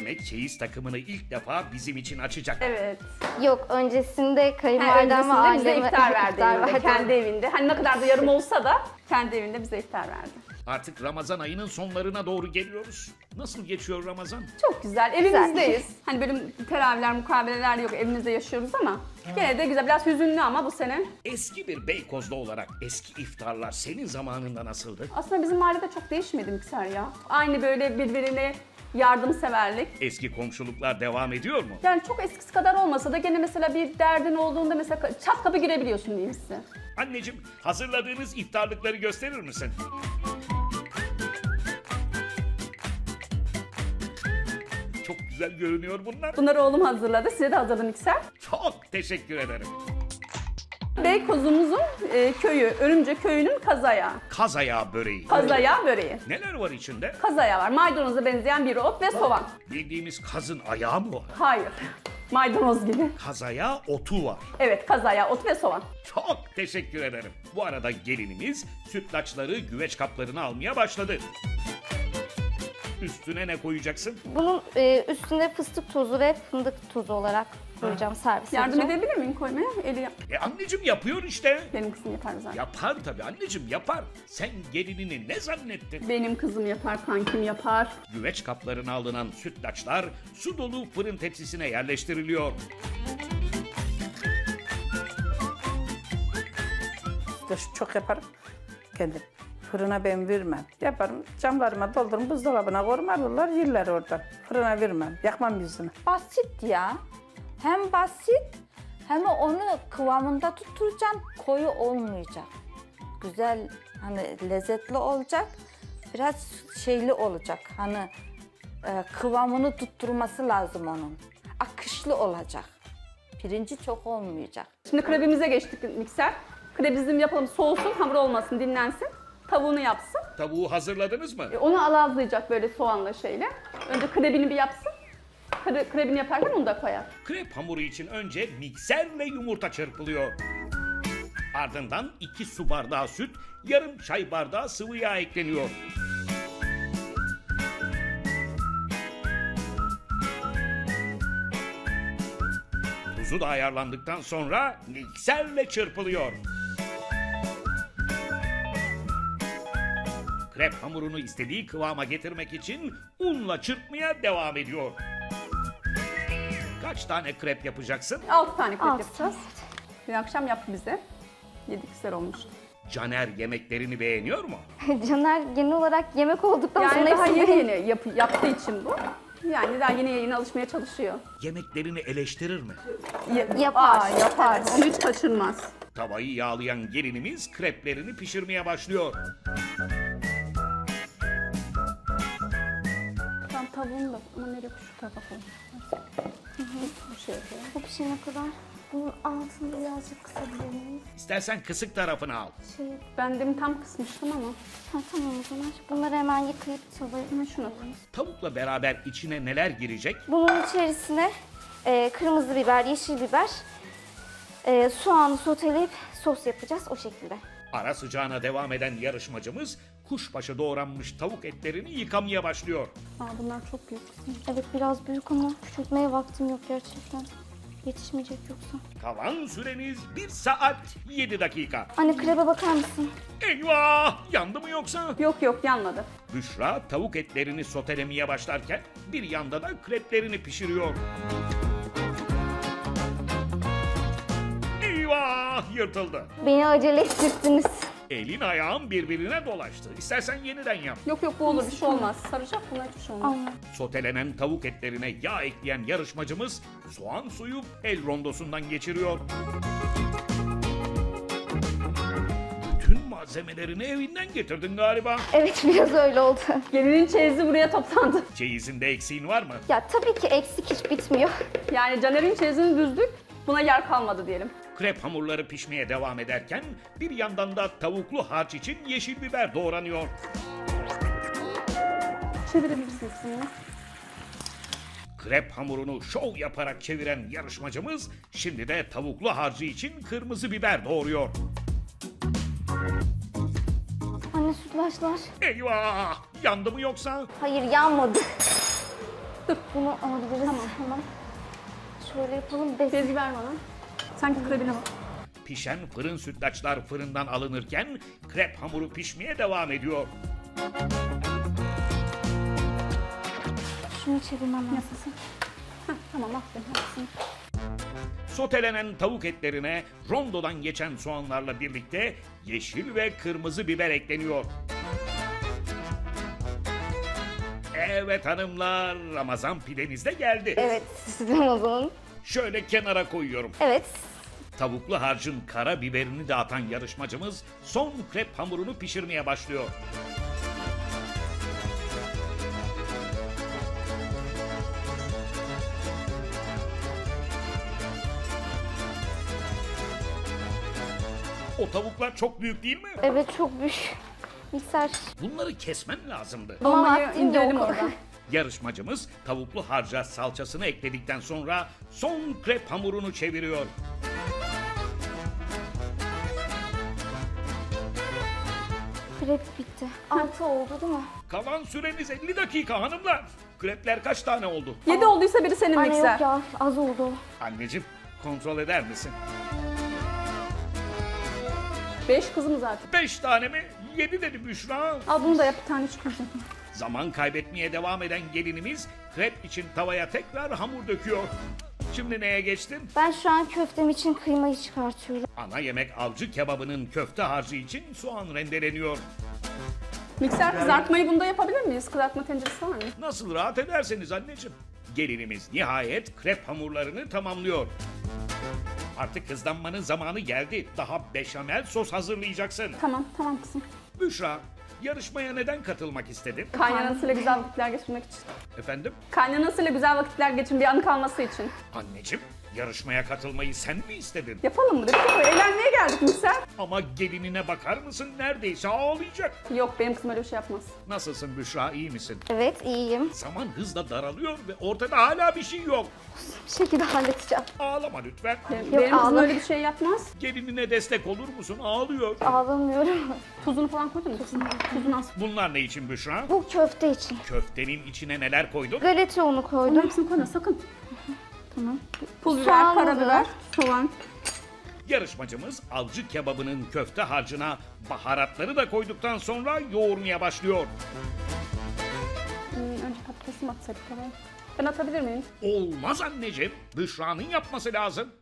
Demek çeyiz takımını ilk defa bizim için açacak. Evet. Yok, öncesinde Yani kayınvalidem ve öncesinde bize aileme iftar verdi evinde, verdi. kendi evinde. Hani ne kadar da yarım olsa da kendi evinde bize iftar verdi. Artık Ramazan ayının sonlarına doğru geliyoruz. Nasıl geçiyor Ramazan? Çok güzel, evimizdeyiz. Hani böyle teravihler, mukabeleler yok, evimizde yaşıyoruz ama gene de güzel. Biraz hüzünlü ama bu sene. Eski bir Beykozlu olarak eski iftarlar senin zamanında nasıldı? Aslında bizim mahallede çok değişmedi mikser ya. Aynı böyle birbirine yardımseverlik. Eski komşuluklar devam ediyor mu? Yani çok eskisi kadar olmasa da gene mesela bir derdin olduğunda mesela çat kapı girebiliyorsun diyeyim size. Anneciğim, hazırladığınız iftarlıkları gösterir misin? Çok güzel görünüyor bunlar. Bunları oğlum hazırladı, size de hazırladım mikser. Çok teşekkür ederim. Beykozumuzun köyü, Örümce köyünün kazayağı. Kaz ayağı böreği. Kazayağı böreği. Neler var içinde? Kazayağı var, maydanoza benzeyen bir ot ve soğan. Bildiğimiz kazın ayağı mı var? Hayır, maydanoz gibi. Kaz ayağı otu var. Evet, kazayağı, ot ve soğan. Çok teşekkür ederim. Bu arada gelinimiz sütlaçları güveç kaplarına almaya başladı. Üstüne ne koyacaksın? Bunun üstüne fıstık tozu ve fındık tozu olarak koyacağım, servis Yardım edeceğim. edebilir miyim koymaya? Anneciğim yapıyor işte. Benim kızım yapar zaten. Yapar tabii anneciğim yapar. Sen gelinini ne zannettin? Benim kızım yapar, kankim yapar. Güveç kaplarına alınan sütlaçlar su dolu fırın tepsisine yerleştiriliyor. Çok yaparım kendim. Fırına ben vermem. Yaparım, camlarıma doldururum, buzdolabına koyarım, alırlar yerler oradan. Fırına vermem, yakmam yüzünü. Basit ya. Hem basit hem onu kıvamında tutturacaksın. Koyu olmayacak. Güzel, hani lezzetli olacak. Biraz şeyli olacak. Hani kıvamını tutturması lazım onun. Akışlı olacak. Pirinci çok olmayacak. Şimdi krebimize geçtik mikser. Krebimizi yapalım, soğusun, hamur olmasın, dinlensin. Tavuğunu yapsın. Tavuğu hazırladınız mı? Onu alazlayacak böyle soğanla şeyle. Önce krebini bir yapsın. Krebini yaparken onu da koyar. Krep hamuru için önce mikserle yumurta çırpılıyor. Ardından 2 su bardağı süt, yarım çay bardağı sıvı yağ ekleniyor. Tuzu da ayarlandıktan sonra mikserle çırpılıyor. Krep hamurunu istediği kıvama getirmek için unla çırpmaya devam ediyor. Kaç tane krep yapacaksın? 6 tane krep Altı yapacağız. Dün akşam yaptı bize. Yedik, güzel olmuştu. Caner yemeklerini beğeniyor mu? Caner genel olarak yemek olduktan Yani sonra daha hepsini yeni yeni yaptığı için bu. Yani daha yeni yeni alışmaya çalışıyor. Yemeklerini eleştirir mi? Yapar. Yapar. Onu hiç kaçırmaz. Tavayı yağlayan gelinimiz kreplerini pişirmeye başlıyor. Tam tavuğunu da ama nereye şu tarafa koyayım. Bu şey yapalım. Bu pişene kadar bunun altını birazcık kısabilir miyiz? İstersen kısık tarafını al. Ben demin tam kısmıştım ama. Ha, tamam o zaman. Bunları hemen yıkayıp tavaya. Hemen şuna koyayım. Tavukla beraber içine neler girecek? Bunun içerisine kırmızı biber, yeşil biber, soğanı soteleyip sos yapacağız o şekilde. Ara sıcağına devam eden yarışmacımız kuşbaşı doğranmış tavuk etlerini yıkamaya başlıyor. Bunlar çok büyük. Evet biraz büyük ama küçültmeye vaktim yok gerçekten. Yetişmeyecek yoksa. Kalan süreniz 1 saat 7 dakika. Anne krebe bakar mısın? Eyvah! Yandı mı yoksa? Yok yanmadı. Büşra tavuk etlerini sotelemeye başlarken bir yanda da kreplerini pişiriyor. Eyvah! Yırtıldı. Beni acele ettirdiniz. Elin ayağın birbirine dolaştı. İstersen yeniden yap. Yok bu olur, bir şey olmaz. Saracak, buna hiçbir şey olmaz. Allah. Sotelenen tavuk etlerine yağ ekleyen yarışmacımız soğan suyu el rondosundan geçiriyor. Bütün malzemelerini evinden getirdin galiba. Evet biraz öyle oldu. Gelinin çeyizi buraya toplandı. Çeyizinde eksiğin var mı? Ya tabii ki eksik hiç bitmiyor. Yani Caner'in çeyizini düzdük, buna yer kalmadı diyelim. Krep hamurları pişmeye devam ederken bir yandan da tavuklu harç için yeşil biber doğranıyor. Çevirebilirsiniz bunu. Krep hamurunu şov yaparak çeviren yarışmacımız şimdi de tavuklu harcı için kırmızı biber doğruyor. Anne sütlaçlar. Eyvah! Yandı mı yoksa? Hayır yanmadı. Bunu alabiliriz. Tamam. Şöyle yapalım. Bezgi ver bana. Sanki kırabilir. Pişen fırın sütlaçlar fırından alınırken krep hamuru pişmeye devam ediyor. Şunu çevirmem lazım. Tamam aferin. Haklısın. Sotelenen tavuk etlerine rondodan geçen soğanlarla birlikte yeşil ve kırmızı biber ekleniyor. Evet hanımlar, Ramazan pideniz de geldi. Evet, süsledim o zaman. Şöyle kenara koyuyorum. Evet. Tavuklu harcın kara biberini de atan yarışmacımız son krep hamurunu pişirmeye başlıyor. O tavuklar çok büyük değil mi? Evet, çok büyük. Mikser. Bunları kesmen lazımdı. Ama Dolmayı vaktim indirelim yok. oradan. Yarışmacımız tavuklu harca salçasını ekledikten sonra son krep hamurunu çeviriyor. Krep bitti. 6 oldu değil mi? Kalan süreniz 50 dakika hanımlar. Krepler kaç tane oldu? 7 olduysa biri senin Anne mikser. yok ya, az oldu. Anneciğim kontrol eder misin? 5 kızım zaten. 5 tane mi? 7 dedi Büşra. Al bunu da yap bir tane çıkacak. Zaman kaybetmeye devam eden gelinimiz krep için tavaya tekrar hamur döküyor. Şimdi neye geçtin? Ben şu an köftem için kıymayı çıkartıyorum. Ana yemek avcı kebabının köfte harcı için soğan rendeleniyor. Mikser kızartmayı bunda yapabilir miyiz? Kızartma tenceresi var mı? Nasıl rahat ederseniz anneciğim. Gelinimiz nihayet krep hamurlarını tamamlıyor. Artık hızlanmanın zamanı geldi. Daha beşamel sos hazırlayacaksın. Tamam kızım. Büşra, yarışmaya neden katılmak istedin? Kaynanasıyla güzel vakitler geçirmek için. Efendim? Kaynanasıyla güzel vakitler geçin bir anı kalması için. Anneciğim, yarışmaya katılmayı sen mi istedin? Yapalım mı dedik? Eğlenmeye geldik Mikser. Ama gelinine bakar mısın? Neredeyse ağlayacak. Yok benim kızım öyle bir şey yapmaz. Nasılsın Büşra, iyi misin? Evet, iyiyim. Zaman hızla daralıyor ve ortada hala bir şey yok. Bir şekilde halledeceğim. Ağlama lütfen. Benim kızım ağlam- öyle bir şey yapmaz. Gelinine destek olur musun? Ağlıyor. Ağlamıyorum. Tuzunu falan koydun mu? Tuzunu az. Bunlar ne için Büşra? Bu köfte için. Köftenin içine neler koydun? Galeta unu Bunların koydum. hepsini koyma sakın. Tamam. Pul biber, Soğan, karabiber, soğan. Yarışmacımız avcı kebabının köfte harcına baharatları da koyduktan sonra yoğurmaya başlıyor. Önce patatesi mi atsaydık oraya? Ben atabilir miyim? Olmaz anneciğim. Büşra'nın yapması lazım.